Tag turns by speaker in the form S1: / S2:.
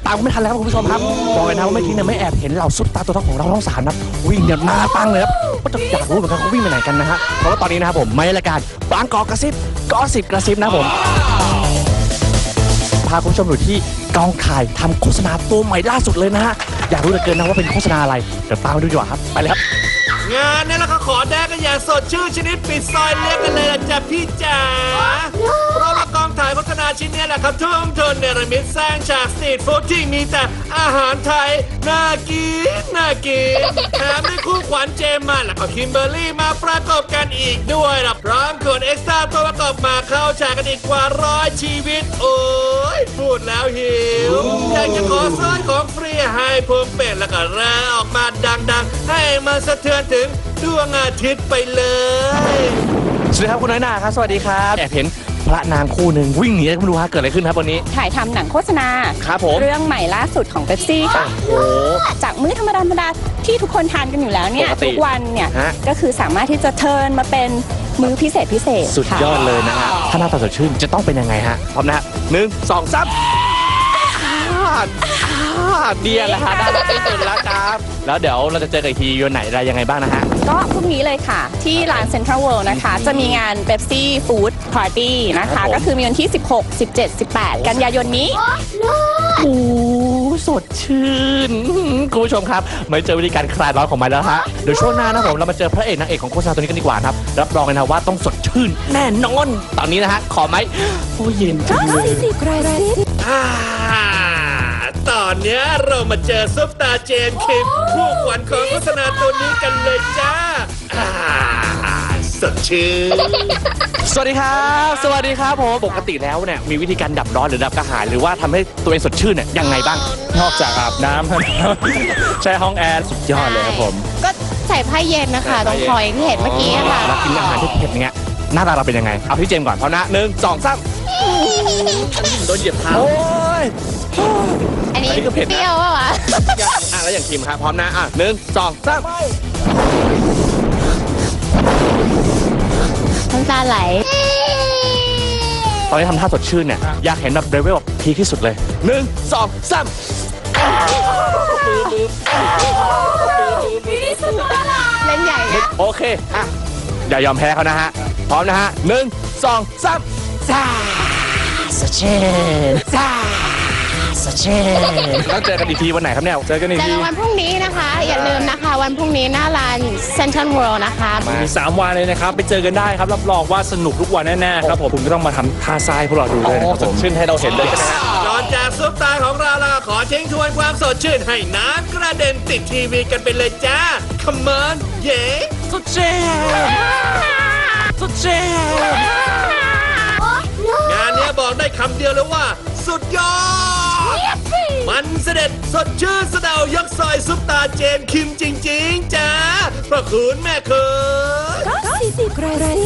S1: ามไม่ทันแล้วครับคุณผู้ชมครับบอกเลยนะว่าเมื่อกี้เนี่ยไม่แอบเห็นเหล่าซุปตาตัวท็อปของเราทั้ง3นะวิ่งเนี่ยมาตั้งเลยครับก็จะอยากรู้เหมือนกันเขาวิ่งไปไหนกันนะฮะเพราะว่าตอนนี้นะครับผมไม่รายการบางกอกกระซิบกระซิบนะผมพาคุณผู้ชมอยู่ที่กองถ่ายทำโฆษณาตัวใหม่ล่าสุดเลยนะฮะอยากรู้เหลือเกินนะว่าเป็นโฆษณาอะไรเดี๋ยวตามไปดูดีกว่าครับไปเลยครับ
S2: งานนี้เราก็ขอแดกกันอย่างสดชื่นชนิดปิดซอยเรียกกันเลยล่ะจ้ะพี่จ๋าเพราะว่ากองถ่ายโฆษณาชิ้นนี้แหละครับทุ่มทุนเนรมิตสร้างฉากสตรีทฟู้ดที่มีแต่อาหารไทยน่ากินแถมด้วยคู่ขวัญเจมมาแล้วก็คิมเบอร์รี่มาประกอบกันอีกด้วยล่ะพร้อมขนเอ็กซ์ตร้าตัวประกอบมาเข้าฉากกันอีกกว่า100ชีวิตโอ้ยพูดแล้วหิวอยากจะขอซื้อของฟรีให้พวงเป็ดแล้วก็แร่ออกมาดังๆให้มันสะเทือนถึงดวงอาทิตย์ไปเลย
S1: สวัสดีครับคุณน้อยหนาครับสวัสดีครับแอบเห็นพระนางคู่หนึ่งวิ่งหนีไม่รู้ฮะเกิดอะไรขึ้นครับวันนี้
S3: ถ่ายทำหนังโฆษณา
S1: ครับผม
S3: เรื่องใหม่ล่าสุดของเป๊ปซี่ค่ะจากมื้อธรรมดาที่ทุกคนทานกันอยู่แล้วเนี่ยทุกวันเนี่ยก็คือสามารถที่จะเทิร์นมาเป็นมื้อพิเศษ
S1: สุดยอดเลยนะฮะถ้าหน้าตาสดชื่นจะต้องเป็นยังไงฮะพร้อมนะ1 2 3เดียแหละฮะได้ที่สุดแล้วครับแล้วเดี๋ยวเราจะเจอกันอีกทีวันไหนอะไรยังไงบ้างนะฮะ
S3: ก็พรุ่งนี้เลยค่ะที่ร้านเซ็นทรัลเวิลด์นะคะจะมีงานเป๊ปซี่ฟู้ดพาร์ตี้นะคะก็คือมีวันที่16 17 18กันยายนนี้
S1: โอ้สดชื่นคุณผู้ชมครับมาเจอวิธีการคลายร้อนของมันแล้วฮะเดี๋ยวช่วงหน้านะผมเรามาเจอพระเอกนางเอกของโฆษณาตัวนี้กันดีกว่าครับรับรองเลยนะว่าต้องสดชื่นแน่นอนตอนนี้นะฮะขอไหมโอ้เย็นจังเลย
S2: ตอนนี้เรามาเจอซุปตาเจนคิมผู้ขวัญของโฆษณาตัวนี้กันเลยจ้าสดชื่น
S1: สวัสดีครับผมปกติแล้วเนี่ยมีวิธีการดับร้อนหรือดับกระหายหรือว่าทำให้ตัวเองสดชื่นเนี่ยยังไงบ้าง
S4: นอกจากอาบน้ำใช้ห้องแอร์สุดยอดเลยครับผม
S3: ก็ใส่ผ้าเย็นนะคะตรงคอยที่เห็นเมื่อกี้ค่ะ
S1: แล้วกินอาหารที่เผ็ดอย่างเงี้ยหน้าตาเราเป็นยังไงเอาพี่เจมก่อนพร้อมนะ1 2 3โดนเหยียบเท้า
S3: อันนี้ก็เผ็ดนะเปรี้ยวป่ะวะ
S1: แล้วอย่างคิมครับพร้อมนะ1 2 3
S3: น้ำตาไหล
S1: ตอนนี้ทำท่าสดชื่นเนี่ยอยากเห็นแบบเลเวลแบบพีคที่สุดเลย1 2 3
S3: เล่นใหญ่นะ
S1: โอเคอย่ายอมแพ้เขานะฮะพร้อมนะฮะ1 2 3ซ่าสดชื่นซ่าสดชื่นแล้วเจอกันอีกทีวันไหนครับเนี่ย
S3: เจอกันวันพรุ่งนี้นะคะอย่าลืมนะคะวันพรุ่งนี้หน้าร้านเซ็นทรัลเวิลด์นะคะ
S4: มี3 วันเลยนะครับไปเจอกันได้ครับรับรองว่าสนุกทุกวันแน่ๆครับผมคุณก็ต้องมาทำท่าทรายพวกเราดูด้วยนะครับผม
S1: ชื่นให้เราเห็นเลยใช่ไหมฮะ
S2: ก่อนจากซุปตาของเราแล้วขอทิ้งทวนความสดชื่นให้น้ำกระเด็นติดทีวีกันไปเลยจ้า Come on เย้
S1: สดชื่น
S2: งานนี้บอกได้คำเดียวเลยว่าสุดยอดมันเสด็จสดชื่นสะเดายกซอยซุปตาเจนคิมจริงๆจ้าพระคุณแม่เขย